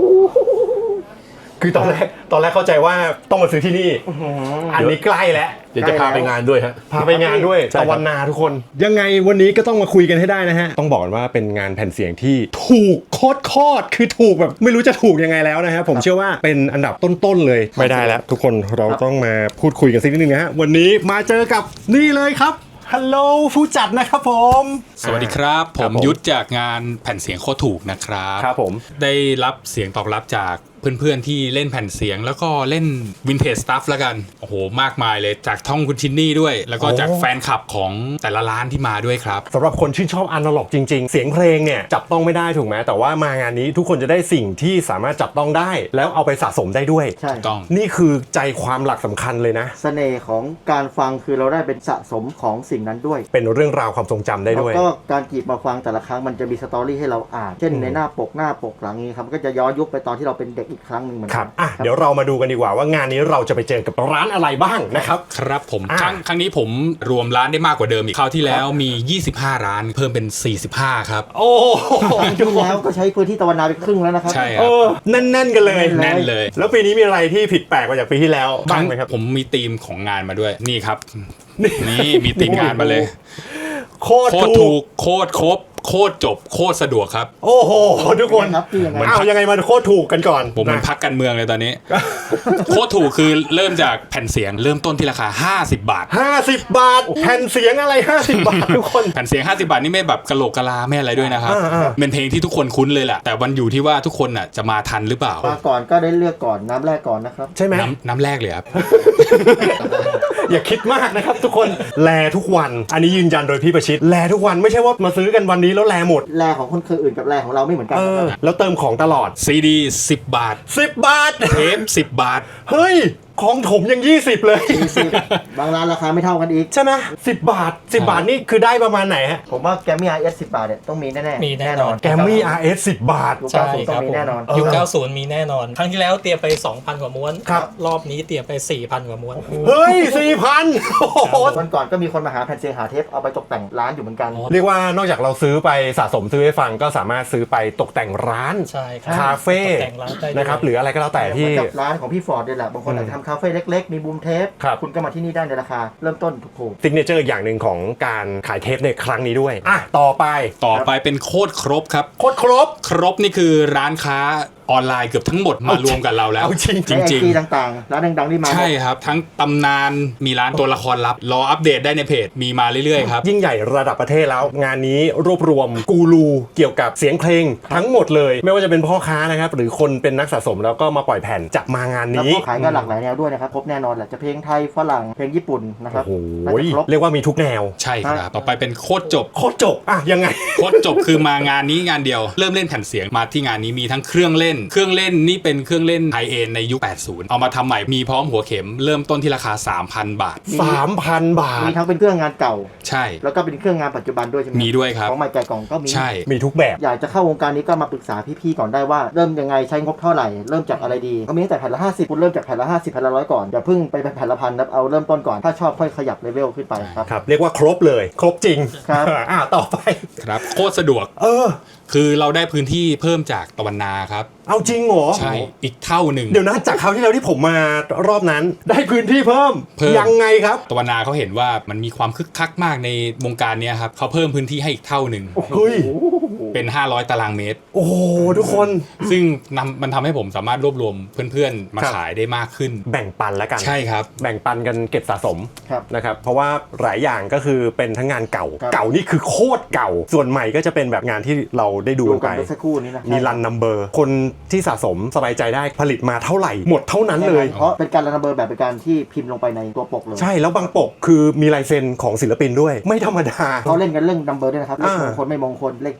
Speaker 2: คือตอนแรกเข้าใจว่าต้องมาซื้อที่นี่อันนี้ใกล้แล้ว
Speaker 1: เดี๋ยวจะพาไปงานด้วยฮะ
Speaker 2: พาไปงานด้วย
Speaker 1: ใช่ครับ
Speaker 2: ตะวันนาทุกคน ยังไงวันนี้ก็ต้องมาคุยกันให้ได้นะฮะ ต้องบอกก่อนว่าเป็นงานแผ่นเสียงที่ถูกโคตรคือถูกแบบไม่รู้จะถูกยังไงแล้วนะฮะผมเชื่อว่าเป็นอันดับต้นๆเลยไม่ได้แล้ว ทุกคนเราต้องมาพูดคุยกันสักนิดนึงนะฮะวันนี้มาเจอกับนี่เลยครับฮัลโหลผู้จัดนะครับผม
Speaker 4: สวัสดีครับ ผมยุทธจากงานแผ่นเสียงโคตรถูกนะครับ
Speaker 2: ครับผม
Speaker 4: ได้รับเสียงตอบรับจากเพื่อนๆที่เล่นแผ่นเสียงแล้วก็เล่นวินเทจสตัฟแล้วกันโอ้โหมากมายเลยจากท่องคุณชินนี่ด้วย แล้วก็จากแฟนคลับของแต่ละร้านที่มาด้วยครับ
Speaker 2: สำหรับคนชื่นชอบอนาล็อกจริงๆ เสียงเพลงเนี่ยจับต้องไม่ได้ถูกไหมแต่ว่ามางานนี้ทุกคนจะได้สิ่งที่สามารถจับต้องได้ แล้วเอาไปสะสมได้ด้วย
Speaker 3: ใช่
Speaker 4: ต้อง
Speaker 2: นี่คือใจความหลักสำคัญเลยนะ
Speaker 3: เสน่ห์ของการฟังคือเราได้เป็นสะสมของสิ่งนั้นด้วย
Speaker 2: เป็นเรื่องราวความทรงจำได้
Speaker 3: แล้ว
Speaker 2: ด้วย
Speaker 3: ก็การจีบมาฟังแต่ละครั้งมันจะมีสตอรี่ให้เราอ่านเช่นในหน้าปกหลังนี้ครับก็จะย้อนยุคไปตอนที่เราเป็นเด็กอีกครั้งหนึ่งเหมือน
Speaker 2: ค
Speaker 3: กั
Speaker 2: รับอ่ะเดี๋ยวเรามาดูกันดีกว่าว่างานนี้เราจะไปเจอกับร้านอะไรบ้างนะครับ
Speaker 4: ครับผม
Speaker 2: อ่า
Speaker 4: ครั้งนี้ผมรวมร้านได้มากกว่าเดิมอีกคราวที่แล้วมี 25 ร้านเพิ่มเป็น 45 ครับ
Speaker 2: โอ้โห
Speaker 3: ปีที่แล้วก็ใช้พื้นที่ตะวันนาไปครึ่งแล้วนะครับ
Speaker 4: ใช่ค
Speaker 2: เอ
Speaker 4: รับ
Speaker 2: อแน่นๆกันเลย
Speaker 4: แน่นเลย
Speaker 2: แล้วปีนี้มีอะไรที่ผิดแปลกกว่าจากปีที่แล้วบ้างไหมครับ
Speaker 4: ผมมีธีมของงานมาด้วยนี่ครับนี่มีธีมงานมาเลย
Speaker 2: โคตร
Speaker 4: โคตร
Speaker 2: ถู
Speaker 4: ถู
Speaker 2: ก
Speaker 4: กโคตรครบโคตรจบโคตรสะดวกครับ
Speaker 2: โอ้โหทุกคน
Speaker 3: ครับที่ยังไง
Speaker 2: เอายังไงมาโคตรถูกกันก่อน
Speaker 4: ผมมัน
Speaker 2: นะ
Speaker 4: พักการเมืองเลยตอนนี้ โคตรถูกคือเริ่มจากแผ่นเสียงเริ่มต้นที่ราคา 50 บาท
Speaker 2: 50 บาทแผ่นเสียงอะไร 50 บาททุกคน
Speaker 4: แผ่นเสียง 50 บาทนี่ไม่แบบกะโหลกกะลาไม่อะไรด้วยนะครับ
Speaker 2: อ่า
Speaker 4: เป็นเพลงที่ทุกคนคุ้นเลยแหละแต่วันอยู่ที่ว่าทุกคนน่ะจะมาทันหรือเปล่า
Speaker 3: มาก่อนก็ได้เลือกก่อนน้ำแรกก่อนนะครับ
Speaker 2: ใช่ไหม
Speaker 4: น้ำแรกเลยครับ
Speaker 2: อย่าคิดมากนะครับทุกคนแลทุกวัน อันนี้ยืนยันโดยพี่ประชิดแลทุกวันไม่ใช่ว่ามาซื้อกันวันนี้แล้วแลหมด
Speaker 3: แรของคนคืออื่นกับแรของเราไม่เหมือนกัน
Speaker 2: เอ
Speaker 3: นะค
Speaker 2: อ
Speaker 3: รับ
Speaker 2: แล้วเติมของตลอด
Speaker 4: ซีดี10 บาท
Speaker 2: 10 บาท
Speaker 4: เทป10 บาท
Speaker 2: เฮ้ย ของถมยัง 20 เลย
Speaker 3: บางร้านราคาไม่เท่ากันอีก
Speaker 2: ใช่ไหม10 บาท 10 บาทนี่คือได้ประมาณไหนฮะ
Speaker 3: ผมว่าแกมมี่ RS 10 บาทเนี่ยต้องมีแน่ๆ
Speaker 5: มีแน่นอน
Speaker 2: แกมมี่ RS 10 บาท
Speaker 3: ลูก
Speaker 5: ใช่
Speaker 3: ค้าผม
Speaker 5: ค
Speaker 3: ต้อง
Speaker 5: รับ
Speaker 3: มี
Speaker 5: ผม
Speaker 3: แน่นอน
Speaker 5: ยุค90 มีแน่นอน ครั้งที่แล้วเตรียมไป 2,000 กว่าม้วน
Speaker 2: ครับ
Speaker 5: รอบนี้เตรียมไป 4,000 กว่าม้วน
Speaker 2: เฮ้ย 4,000 โอ้โห
Speaker 3: วันก่อนก็มีคนมาหาแผ่นเสียงหาเทปเอาไปตกแต่งร้านอยู่เหมือนกัน
Speaker 2: เรียกว่านอกจากเราซื้อไปสะสมซื้อให้ฟังก็สามารถซื้อไปตกแต่งร้าน
Speaker 5: ใช่ครับ
Speaker 2: คาเฟ่
Speaker 5: ตกแต่งร้านได้ด้วย
Speaker 2: นะครับหรืออะไรก็แล้วแต่ที่
Speaker 3: เหมือนกับร้านของพี่ฟอร์ดเนี่ยแหละบางคนอาจจะทำคาเฟ่เล็กๆ มีบูมเทป
Speaker 2: ครับ
Speaker 3: คุณก็มาที่นี่ได้ในราคาเริ่มต้นถูก
Speaker 2: ซิกเนเจอร์อย่างหนึ่งของการขายเทปในครั้งนี้ด้วยอ่ะต่อไป
Speaker 4: ต่อไปเป็นโคตรครบครับ
Speaker 2: โคตรครบ
Speaker 4: ครบนี่คือร้านค้าออนไลน์เกือบทั้งหมดมารวมกับเราแล้ว
Speaker 2: เอาจริง
Speaker 3: ๆในไอ
Speaker 4: จริง
Speaker 3: จีต่างๆ ร้านดังๆที่มา
Speaker 4: ๆ ใช่ครับ ทั้งตำนานมีร้านตัวละครลับ รออัปเดตได้ในเพจมีมาเรื่อยๆครับ
Speaker 2: ยิ่งใหญ่ระดับประเทศแล้ว งานนี้รวบรวมกูรูเกี่ยวกับเสียงเพลงทั้งหมดเลย ไม่ว่าจะเป็นพ่อค้านะครับ หรือคนเป็นนักสะสมแล้วก็มาปล่อยแผ่นจะมางาน
Speaker 3: แล้ว
Speaker 2: นี้
Speaker 3: ก็ขายก็หลากหลายแนวด้วยนะครับครบแน่นอนแหละจะเพลงไทยฝรั่งเพลงญี่ปุ่นนะครับ
Speaker 2: โอ้โห
Speaker 3: น่าจะครบ
Speaker 2: เรียกว่ามีทุกแนว
Speaker 4: ใช่ครับ ต่อไปเป็นโคตรจบ
Speaker 2: โคตรจบอ่ะยังไง
Speaker 4: โคตรจบคือมางานนี้งานเดียว เริ่มเล่นแผ่นเสียงมาที่งานนี้มีทั้งเครื่องเล่นนี่เป็นเครื่องเล่นไฮเอ็นในยุค 80 เอามาทำใหม่มีพร้อมหัวเข็มเริ่มต้นที่ราคา 3,000 บาท
Speaker 2: 3,000 บาท
Speaker 3: มีทั้งเป็นเครื่องงานเก่า
Speaker 4: ใช่
Speaker 3: แล้วก็เป็นเครื่องงานปัจจุบันด้วยใช่ไหม
Speaker 4: มีด้วยครับ
Speaker 3: ของใหม่แก่กล่องก็มี
Speaker 4: ใช่
Speaker 2: มีทุกแบบ
Speaker 3: อยากจะเข้าวงการนี้ก็มาปรึกษาพี่ๆก่อนได้ว่าเริ่มยังไงใช้งบเท่าไหร่เริ่มจากอะไรดีก็มีตั้งแต่แผ่นละ50คุณเริ่มจากแผ่นละ50แผ่นละ100ก่อนอย่าเพิ่งไปแผ่นละพันนะเอาเริ่มต้นก่อนถ้าชอบค่อยขยับเลเวลขึ้นไปครับ
Speaker 2: ครับ เรียกว่าครบเลย ครบจริง
Speaker 3: ครับ
Speaker 2: อ่ะต่อไป
Speaker 4: ครับโคตรสะดวก
Speaker 2: เออ
Speaker 4: คือเราได้พื้นที่เพิ่มจากตะวันนาครับ
Speaker 2: เอาจริงเหรอ
Speaker 4: ใช่อีกเท่าหนึ่ง
Speaker 2: เดี๋ยวนะจากคราวที่แล้วที่ผมมารอบนั้น ได้พื้นที่เพิ่ม ยังไงครับ
Speaker 4: ตะวันนาเขาเห็นว่ามันมีความคึกคักมากในวงการเนี้ยครับเขาเพิ่มพื้นที่ให้อีกเท่าหนึ่ง
Speaker 2: เฮ้ย
Speaker 4: เป็น 500 ตารางเมตร
Speaker 2: โอ้โหทุกคน
Speaker 4: ซึ่งมันทำให้ผมสามารถรวบรวมเพื่อนๆ มา
Speaker 2: ครับ
Speaker 4: ขายได้มากขึ้น
Speaker 2: แบ่งปันแล้วกัน
Speaker 4: ใช่ครับ
Speaker 2: แบ่งปันกันเก็บสะสม
Speaker 3: ครับ
Speaker 2: นะครับเพราะว่าหลายอย่างก็คือเป็นทั้งงานเก่า
Speaker 3: ครับ
Speaker 2: เก่านี่คือโคตรเก่า ส่วนใหม่ก็จะเป็นแบบงานที่เราได้ดู
Speaker 3: ดู
Speaker 2: กัน
Speaker 3: กั
Speaker 2: ไป
Speaker 3: นเมื่อสักครู่นี้นะ
Speaker 2: มีรันนัมเบอร์คนที่สะสมสบายใจได้ผลิตมาเท่าไหร่ หมดเท่านั้นเลย
Speaker 3: เพราะเป็นการรันเบอร์แบบเป็นการที่พิมพ์ลงไปในตัวปกเลย
Speaker 2: ใช่แล้วบางปกคือมีลายเซ็นของศิลปินด้วย ไม่ธรรมดา
Speaker 3: เขาเล่นกันเรื่องนัมเบอร์ด้วยนะครับเลข
Speaker 2: อ่าม
Speaker 3: งคลไม่มงคลเลข7เลข9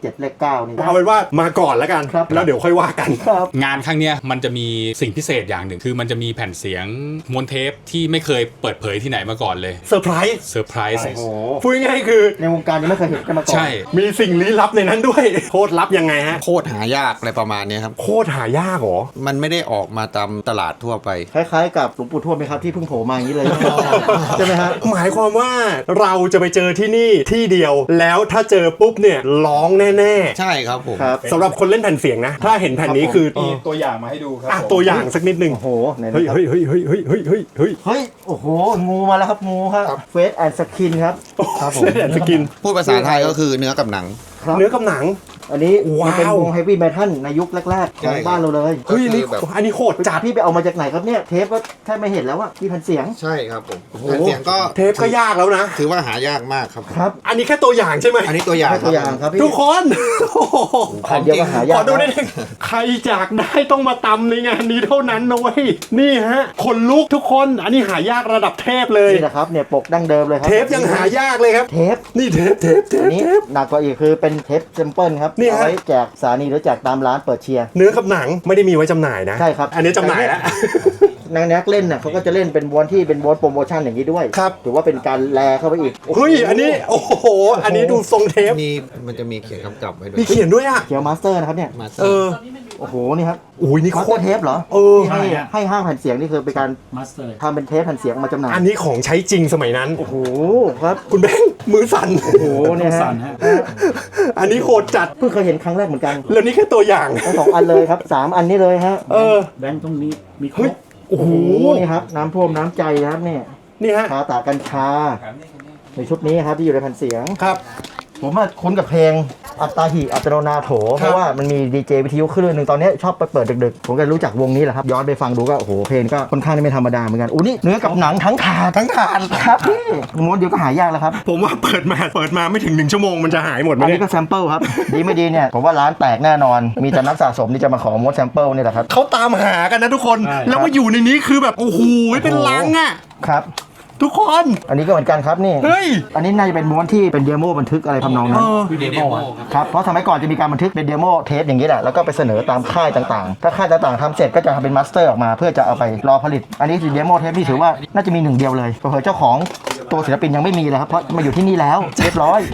Speaker 3: 9นี่
Speaker 2: เอาเป็นว่ามาก่อนแล้วกัน
Speaker 3: ครับ
Speaker 2: แล้วเดี๋ยวค่อยว่ากัน
Speaker 3: ครับ
Speaker 4: งานครั้งเนี้ยมันจะมีสิ่งพิเศษอย่างหนึ่งคือมันจะมีแผ่นเสียงม้วนเทปที่ไม่เคยเปิดเผยที่ไหนมาก่อนเลย
Speaker 2: เซอร์ไพรส์
Speaker 4: เซอร์ไพรส์
Speaker 3: โอ้โห
Speaker 2: พูดง่ายๆคือ
Speaker 3: ในวงการยังไม่เคยเห็นกันมาก่อน
Speaker 4: ใช่
Speaker 2: มีสิ่งลี้ลับในนั้นด้วย โคตรลับยังไงฮะ
Speaker 6: โคตรหายากอะไรประมาณเนี้ยครับ
Speaker 2: โคตรหายากเหรอ
Speaker 6: มันไม่ได้ออกมาตามตลาดทั่วไป
Speaker 3: คล้ายๆกับหลวงปู่ทวดไหมครับที่เพิ่งโผล่มาอย่างนี้เลย ใช่ไหมฮะ
Speaker 2: หมายความว่าเราจะไปเจอที่นี่ที่เดียว แล้วถ้าเจอปุ๊บเนี่ยร้องแน่
Speaker 6: ใช่ครับผม
Speaker 3: ครับ
Speaker 2: ๆสำหรับคนเล่นแผ่นเสียงนะ ถ้าเห็นแผ่นนี้คือ
Speaker 7: มีตัวอย่างมาให้ดูครับ
Speaker 2: อ่ะ
Speaker 7: ผม
Speaker 2: ตัวอย่างสักนิดนึง
Speaker 3: โอ้โหไหน
Speaker 2: เฮ้ย
Speaker 3: นะครับ
Speaker 2: เฮ้ยเฮ้ยเฮ้ยเฮ้ยเฮ้ยเฮ้ยเฮ้ย
Speaker 3: เฮ้ยโอ้โหงูมาแล้วครับงูครับเฟสแอนด์สกินครับครับผม
Speaker 2: เล่นแผ่นสกิน
Speaker 6: พูดภาษาไทยก็คือเนื้อกับหนัง
Speaker 3: ครับ
Speaker 2: เนื้อกับหนัง
Speaker 3: อันนี้
Speaker 2: ว้าว
Speaker 3: มันเป็นวงเฮฟวี่เมทัลในยุคแรกๆของบ้านเราเลย
Speaker 2: เฮ้ยอันนี้
Speaker 6: ก็คือแบบ
Speaker 2: อันนี้โหดจัด
Speaker 3: พี่ไปเอามาจากไหนครับเนี่ยเทปก็แทบไม่เห็นแล้วว่าที่แผ่นเสียง
Speaker 6: ใช่ครับผมแผ่นเสียงก็
Speaker 2: เทปก็ยากแล้วนะ
Speaker 6: ถือว่าหายากมากครับ
Speaker 3: ครับ
Speaker 2: อันนี้แค่ตัวอย่างใช่ไหม
Speaker 6: อันนี้ตัวอย่าง
Speaker 3: ให้ตัวอย่างครับพี่
Speaker 2: ทุกคน โอ้โห
Speaker 3: อันเดียวก็หายาก
Speaker 2: ขอดูได้
Speaker 3: นะ
Speaker 2: ไหมใครอยากได้ต้องมาตำในงานนี้เท่านั้นนะเว้ยนี่ฮะขนลุกทุกคนอันนี้หายากระดับเทพเลย
Speaker 3: นี่นะครับเนี่ยปกดั้งเดิมเลยครับ
Speaker 2: เทปยังหายากเลยครับ
Speaker 3: เทป
Speaker 2: นี่เทป
Speaker 3: อันนี้หนักกว่าอีกคือเป็นเทปเซมเปิลครับ
Speaker 2: นี่ฮะ
Speaker 3: เอาไว้แจกสถานีหรือแจกตามร้านเปิดเชียร์
Speaker 2: เนื้อกับหนังไม่ได้มีไว้จำหน่ายนะ
Speaker 3: ใช่ครับ
Speaker 2: อันนี้จำหน่ายแล้ว
Speaker 3: นักเล่นน่ะเขาก็จะเล่นเป็นม้วนที่เป็นม้วนโปรโมชั่นอย่างนี้ด้วย
Speaker 2: ครับ
Speaker 3: ถือว่าเป็นการแลเข้าไปอีก
Speaker 2: เฮ้ยอันนี้โอ้โหอันนี้ดูทรงเทป
Speaker 6: มีมันจะมีเขียนกำกับไว้ด้วย
Speaker 2: มีเขียนด้วยอ่ะ
Speaker 3: เขียวมาสเตอร์นะครับเนี่ย
Speaker 6: มาสเต
Speaker 2: เอ
Speaker 6: อร์
Speaker 2: อ
Speaker 3: โอ้โหนี่ครับ
Speaker 2: อุ้ยนี่
Speaker 3: มาส
Speaker 2: โค
Speaker 3: เตอ
Speaker 2: ตร
Speaker 3: ร์เทปเหรอ
Speaker 2: เออ
Speaker 3: ที่ให้ห้างแผ่นเสียงนี่คือเป็นการทำเป็นเทปแผ่นเสียงมาจำหน่าย
Speaker 2: อันนี้ของใช้จริงสมัยนั้น
Speaker 3: โอ้โหครับ
Speaker 2: คุณแบงค์มือสั่น
Speaker 3: โอ้โหเนี่ยฮะ
Speaker 2: อันนี้โหดจัด
Speaker 3: เพิ่งเคยเห็นครั้งแรกเหมือนกัน
Speaker 2: แล้วนี่แค่ตัวอย่าง
Speaker 3: ทั้งสองอันเลยครับ3 อันนี้เลยฮะ
Speaker 2: เออ
Speaker 7: แบงค์ตรงนี้มีคร
Speaker 2: เฮ้ย
Speaker 7: บ
Speaker 2: โอ้โห
Speaker 3: นี่ครับน้ำท่วมน้ำใจนะครับเนี่ย
Speaker 2: นี่ฮะ
Speaker 3: คาตากัญชาในชุดนี้ครับที่อยู่ในแผ่นเสียง
Speaker 2: ครับ
Speaker 3: ผมว่าคุ้นกับเพลงอัตตาหิอัตโนนาโถ เพราะว่ามันมีดีเจวิทยุคลื่นหนึ่งตอนนี้ชอบไปเปิดดึกๆ ผมก็รู้จักวงนี้แหละครับ ย้อนไปฟังดูก็โอ้โหเพลงก็ค่อนข้างไม่ธรรมดาเหมือนกันอู้นี่เนื้อกับหนังทั้งถาด
Speaker 2: ทั้งถาด
Speaker 3: ครับพี่ม้วนเดียวก็หายากแล้วครับ
Speaker 2: ผมว่าเปิดมาไม่ถึง1 ชั่วโมงมันจะหายหมดไหม
Speaker 3: อัน
Speaker 2: เนี่
Speaker 3: นี้
Speaker 2: ย
Speaker 3: ก็แซมเปิลครับ ดีไม่ดีเนี่ยผมว่าร้านแตกแน่นอน มีแต่นักสะสมที่จะมาขอม้วนแซมเปิลนี่แหละครับ
Speaker 2: เขาตามหากันนะทุกคน แล้วมาอยู่ในนี้คือแบบโอ้โหเป็นลังอ่ะ
Speaker 3: ครับ
Speaker 2: ทุกคน
Speaker 3: อันนี้ก็เหมือนกันครับนี่
Speaker 2: เฮ้ย
Speaker 3: อันนี้น่าจะเป็นม้วนที่เป็นเดโมบันทึกอะไรทำนองนั้น ครับเพราะสมัยก่อนจะมีการบันทึกเป็นเดโมเทปอย่างนี้แหละแล้วก็ไปเสนอตามค่ายต่างๆ ถ้าค่ายต่างๆทำเสร็จก็จะทำเป็นมาสเตอร์ออกมาเพื่อจะเอาไปรอผลิต อันนี้คือเดโมเทปที่ถือว่าน่าจะมีหนึ่งเดียวเลยเผื่อๆเจ้าของตัวศิลปินยังไม่มีเลยครับเพราะมาอยู่ที่นี่แล้วเรียบร้อย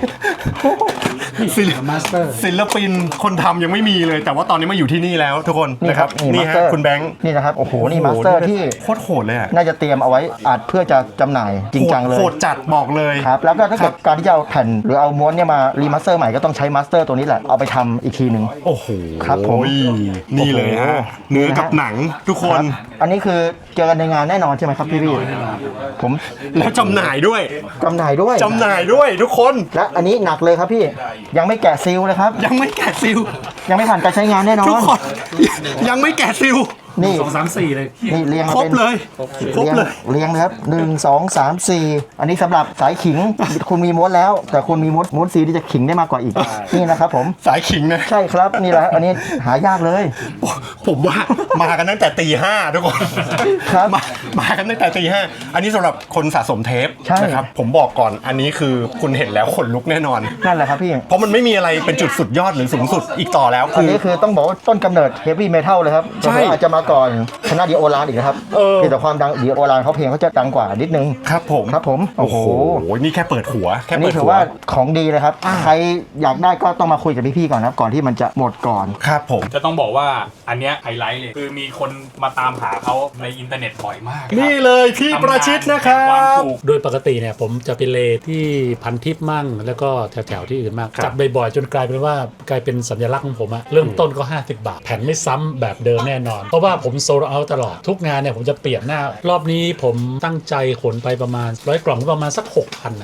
Speaker 2: ศิลปินคนทำยังไม่มีเลย แต่ว่าตอนนี้มาอยู่ที่นี่แล้วทุกคน
Speaker 3: นี่
Speaker 2: นะ
Speaker 3: ค
Speaker 2: ค
Speaker 3: รั
Speaker 2: รั
Speaker 3: บบ
Speaker 2: นี่
Speaker 3: มาส
Speaker 2: ฮะ
Speaker 3: เตอร์
Speaker 2: คุณแบงค์
Speaker 3: นี่นะครับโอ้โหนี่มาสเตอร์ที่
Speaker 2: โคตรโหดเลยอ่ะ
Speaker 3: น่าจะเตรียมเอาไว้อัดเพื่อจะจำหน่ายจริงจังเลย
Speaker 2: โหดจัดบอกเลย
Speaker 3: ครับแล้วก็ถ้าเกิดการที่จะเอาแผ่นหรือเอาม้วนเนี่ยมารีมาสเตอร์ใหม่ก็ต้องใช้มาสเตอร์ตัวนี้แหละเอาไปทำอีกทีหนึ่ง
Speaker 2: โอ้โห
Speaker 3: ครับผม
Speaker 2: นี่เลยฮะ เนื้อกับหนังทุกคน
Speaker 3: อันนี้คือเจอกันในงานแน่นอนใช่ไหมครับพี่ผม
Speaker 2: แล้วจำหน่ายด้วย
Speaker 3: จำหน่ายด้วย
Speaker 2: จำหน่ายด้วยทุกคน
Speaker 3: และอันนี้หนักเลยครับพี่ยังไม่แกะซีลเลยครับ
Speaker 2: ยังไม่แกะซิล
Speaker 3: ยังไม่ผ่านการใช้งานแน่นอน
Speaker 2: ทุกคน ยังไม่แกะซิล
Speaker 3: นี่
Speaker 7: 2 3 4 เลย
Speaker 3: นี่เรียงมา
Speaker 2: ครบ
Speaker 3: เป็น
Speaker 2: เลยครบเลย
Speaker 3: เรียงเลยครับ1 2 3 4อันนี้สำหรับสายขิง คุณมีม้วนแล้ว แต่คุณมีม้วนซีที่จะขิงได้มากกว่าอีก นี่นะครับผม
Speaker 2: สายขิงนะ
Speaker 3: ใช่ครับนี่แหละอันนี้หายากเลย
Speaker 2: ผมว่ามากันตั้งแต่ตี 5ทุกคน
Speaker 3: ครับ
Speaker 2: มากันตั้งแต่ตี 5อันนี้สำหรับคนสะสมเทป
Speaker 3: ใช่
Speaker 2: นะครับผมบอกก่อนอันนี้คือคุณเห็นแล้วขนลุกแน่นอน
Speaker 3: นั่นแหละครับพี่
Speaker 2: เพราะมันไม่มีอะไรเป็นจุดสุดยอดหรือสูงสุดอีกต่อแล้ว
Speaker 3: อันนี้คือต้องบอกว่าต้นกำเนิดเฮฟวี่เมทัลเลยครับ
Speaker 2: ใช่
Speaker 3: อาจจะมาก่อนคณะดีโอรานอีกนะครับ
Speaker 2: เออ
Speaker 3: เพียงแต่ความดังดีโอรานเขาเพลงเขาจะดังกว่านิดนึง
Speaker 2: ครับผม
Speaker 3: ครับผม
Speaker 2: โอ้โหนี่แค่เปิดหัวแค่
Speaker 3: อัน
Speaker 2: เปิ
Speaker 3: นี้
Speaker 2: ด
Speaker 3: ถือ
Speaker 2: หัว
Speaker 3: ว่าของดีเลยครับ ใครอยากได้ก็ต้องมาคุยกับพี่ๆก่อนนะครับก่อนที่มันจะหมดก่อน
Speaker 2: ครับผม
Speaker 4: จะต้องบอกว่าอันเนี้ยไฮไลท์เลย คือมีคนมาตามหาเขาในอินเทอร์เน็ตบ่อยมาก
Speaker 2: นี่เลยพี่ประชิดนะครับ
Speaker 5: โดยปกติเนี่ยผมจะไปเลที่พันทิพย์มั่ง แล้วก็แถวๆที่อื่นมาก
Speaker 2: ครับ
Speaker 5: จัดบ่อยๆจนกลายเป็นว่ากลายเป็นสัญลักษณ์ของผมอะเริ่มต้นก็ 50 บาท แผ่นไม่ซ้ำแบบเดิมแน่นอน เพราะว่าผมโซลเอาตลอดทุกงานเนี่ยผมจะเปลี่ยนหน้ารอบนี้ผมตั้งใจขนไปประมาณ100 กล่องประมาณสัก 6,000อะ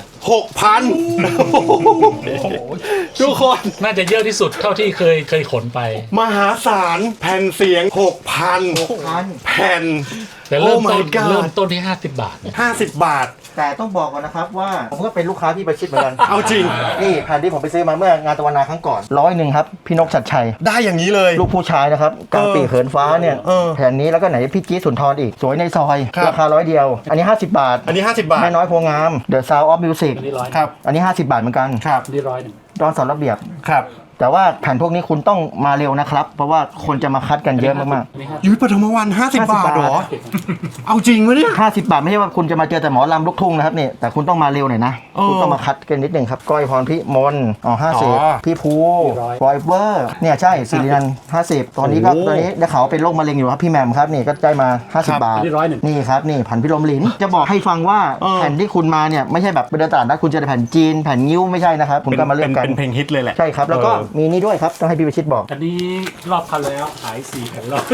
Speaker 2: 6,000ทุกคน
Speaker 5: น่าจะเยอะที่สุดเท่าที่เคยขนไป
Speaker 2: มหาศาลแผ่นเสียง 6,000 แผ่น
Speaker 5: แต่เริ่ม
Speaker 2: Oh
Speaker 5: ต้
Speaker 2: my
Speaker 5: น
Speaker 2: God
Speaker 5: เริ่มต้นที่ 50 บาทเนี่ย
Speaker 2: 50 บาท
Speaker 3: แต่ต้องบอกก่อนนะครับว่าผมก็เป็นลูกค้าพี่ประชิดเหมือนกัน
Speaker 2: เอาจริง
Speaker 3: นี่แผ่นที่ผมไปซื้อมาเมื่องานตะวันนาครั้งก่อน100ครับพี่นกชัดชัย
Speaker 2: ได้อย่างนี้เลย
Speaker 3: ลูกผู้ชายนะครับกลางปีกเหินฟ้าเนี่ย
Speaker 2: เออ
Speaker 3: แผ่นนี้แล้วก็ไหนพี่จี๊ดสุนทรอีก สวยในซอย
Speaker 2: ครับ
Speaker 3: ราคา100 เดียว อันนี้ 50 บาท
Speaker 2: อันนี้ 50 บาท
Speaker 3: แม่น้อยโพงาม The Sound of Music
Speaker 5: อันนี้100
Speaker 2: ครับ
Speaker 3: อันนี้ 50 บาทเหมือนกัน
Speaker 2: ครับ
Speaker 5: อันนี้100
Speaker 3: ดอนสอนระเบียบ
Speaker 2: ครับ
Speaker 3: แต่ว่าแผ่นพวกนี้คุณต้องมาเร็วนะครับ เพราะว่าคนจะมาคัดกันเยอะมาก
Speaker 2: ยุ้ยปฐมวัน50 บาทเหรอ เอาจริงวะเนี่ย
Speaker 3: ๆ50 บาทไม่ใช่ว่าคุณจะมาเจอแต่หมอลำลูกทุ่งนะครับนี่แต่คุณต้องมาเร็วหน่อยนะคุณต้องมาคัดกันนิดหนึ่งครับก้อยพรพิมล50พี่ภูฟอยเวอร์เนี่ยใช่สิรินันท์50ตอนนี้ได้ข่าวว่าเป็นโรคมะเร็งอยู่ครับพี่แหม่มครับนี่ก็ได้มา50 บาท
Speaker 5: นี่101
Speaker 3: นี่ครับนี่ผันพิลมหลินจะบอกให้ฟังว่าแผ่นที่คุณมาเนี่ยไม่ใช่แบบไปเดินตลาดนะคุณจะได้แผ่นจีนแผ่นนิ้วไม่ใช่นะครับคุณก็มาเลือกกัน
Speaker 2: เป็นเพลงฮิตเลยแหละ
Speaker 3: ใช่ครับแล้วก็มีนี่ด้วยครับต้องให้พี่ประชิตบอก
Speaker 5: อันนี้รอบคันแล้วขาย4แผ่นร้อย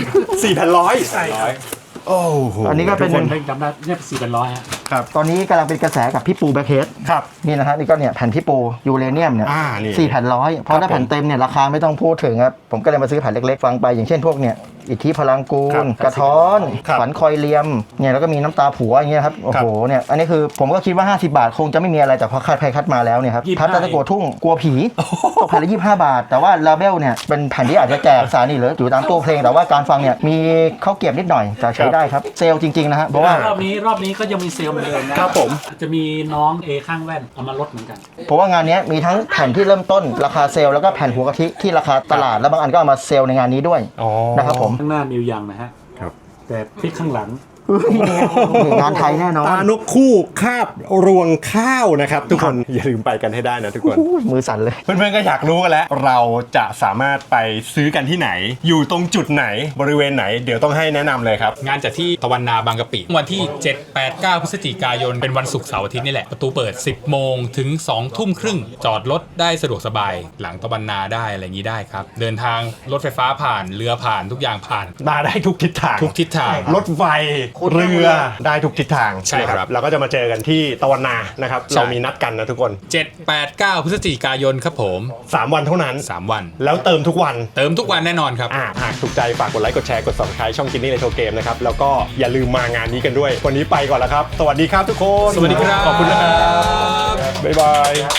Speaker 2: 4,100
Speaker 5: ใช่ครับ
Speaker 2: โอ้โห
Speaker 3: อันนี้ก็เป็น
Speaker 5: คนเล่นจำได้เนี่ย4แผ่นร้อยฮะ
Speaker 3: ตอนนี้กำลังเป็นกระแสกับพี่ปูแบ็คเฮด
Speaker 2: ครับ
Speaker 3: นี่นะฮะนี่ก็เนี่ยแผ่นพี่ปูยูเรเนียมเนี่ย
Speaker 2: นี่
Speaker 3: 4 แผ่นร้อยเพราะถ้าแผ่นเต็มเนี่ยราคาไม่ต้องพูดถึงครับผมก็เลยมาซื้อแผ่นเล็กๆฟังไปอย่างเช่นพวกเนี่ยอิทธิพลังกูลกระท้อน
Speaker 2: ครับ
Speaker 3: ฝันคอยเลียมเนี่ยแล้วก็มีน้ำตาผัวอย่างเงี้ยครับโอ้โหเนี่ยอันนี้คือผมก็คิดว่า50 บาทคงจะไม่มีอะไรแต่พอคัดไปคัดมาแล้วเนี่ยครับ
Speaker 5: 25
Speaker 3: พัดตะโกทุ่งกลัวผีตกแผ่นละ25 บาท แต่ว่าลาเบลเนี่ยเป็นแผ่นที่อาจจะแจกสารนี่หรืออยู่ตามตู้เพลงแต่ว่าการฟังเนี่ยมีข้าวเกรียบนิดหน่อยแต่ใช้ได้ครับเซลล์จริงๆนะฮะเพราะว่า
Speaker 5: รอบนี้ก็ยังมีเซลล์เหมือนเดิมนะครับ
Speaker 2: ผม
Speaker 5: จะมีน้องเอข้างแว่นเอามาลดเหมือนกัน
Speaker 3: เพราะว่างานนี้มีทั้งแผ่นที่เริ่มต้นราคาเซลล์แล้วก็แผ่นหัวกะทิที่ราคาตลาดแล้วบางอันก็เอามาเซลล์ในงานนี้ด้วย
Speaker 2: อ๋อ
Speaker 3: นะครับผม
Speaker 5: ข้างหน้ามิวยังนะฮะ
Speaker 2: ครับ
Speaker 5: แต่พลิกข้างหลัง
Speaker 3: งานไทยแน่นอน
Speaker 2: ตานกคู่คาบรวงข้าวนะครับทุกคนอย่าลืมไปกันให้ได้นะทุกคน
Speaker 3: มือสั่นเลย
Speaker 2: เพื่อนๆก็อยากรู้กันแล้ว เราจะสามารถไปซื้อกันที่ไหน อยู่ตรงจุดไหนบริเวณไหน เดี๋ยวต้องให้แนะนำเลยครับ
Speaker 4: งานจัดที่ตะวันนาบางกะปิวันที่ 7 8 9 พฤศจิกายนเป็นวันศุกร์เสาร์อาทิตย์นี่แหละ ประตูเปิด 10 โมงถึง 2 ทุ่มครึ่ง จอดรถได้สะดวกสบาย หลังตะวันนาได้อะไรอย่างนี้ได้ครับ เดินทางรถไฟฟ้าผ่านเรือผ่านทุกอย่างผ่าน
Speaker 2: มาได้ทุกทิศทาง
Speaker 4: ทุกทิศทาง
Speaker 2: รถไฟเรือได้ทุกทิศทาง
Speaker 4: ใช่ครับ
Speaker 2: เราก็จะมาเจอกันที่ตะวันนานะครับ
Speaker 4: ใช่
Speaker 2: เรามีนัดกันนะทุกคน
Speaker 4: 7 8 9 พฤศจิกายนครับผม
Speaker 2: 3 วันเท่านั้น
Speaker 4: 3 วัน
Speaker 2: แล้วเติมทุกวัน
Speaker 4: เติมทุกวันแน่นอนครับ
Speaker 2: หากถูกใจฝากกดไลค์กดแชร์กด subscribe ช่องกินนี่ในโทรเกมนะครับแล้วก็อย่าลืมมางานนี้กันด้วยวันนี้ไปก่อนแล้วครับสวัสดีครับทุกคน
Speaker 4: สวัสดีครับ
Speaker 2: ขอบคุณนะครับบ๊ายบาย